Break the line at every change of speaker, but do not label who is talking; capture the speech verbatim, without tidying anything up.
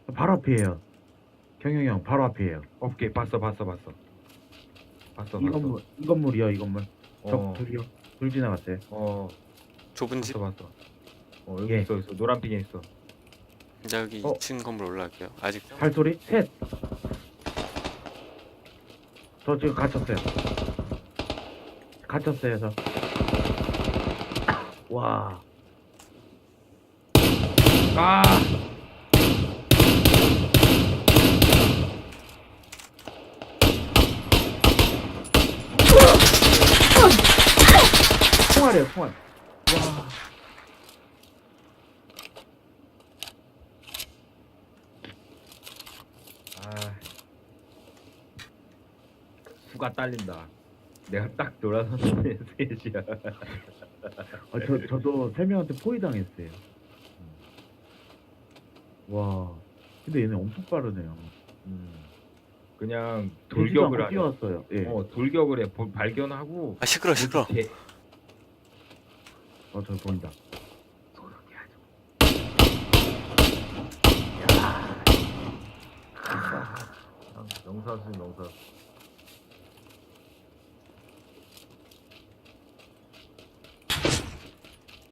바로 앞이에요. 경영이 형 바로 앞이에요.
오케이, 봤어, 봤어, 봤어. 봤어,
이
봤어.
건물, 이 건물이요, 이 건물. 적
어,
둘이요. 둘 지나갔어요.
어,
좁은 집.
봤어, 봤어. 어, 여기
예.
있어, 있어. 노란 핑에 있어.
이제 여기
어.
이 층 건물 올라갈게요. 아직
발소리 셋. 저 지금 갇혔어요. 갇혔어요, 저. 와.
아!
총알이에요, 총알. 와.
아. 수가 딸린다. 내가 딱 돌아섰는데 셋이야.
아, 저, 저도 세 명한테 포위당했어요. 와. 근데 얘네 엄청 빠르네요.
음. 그냥
되지도
돌격을
않고
하네.
뛰어왔어요. 예.
어, 돌격을 해. 보- 발견하고.
아 시끄러 시끄러.
개-
어, 저 보인다.
아, 영사수, 영사.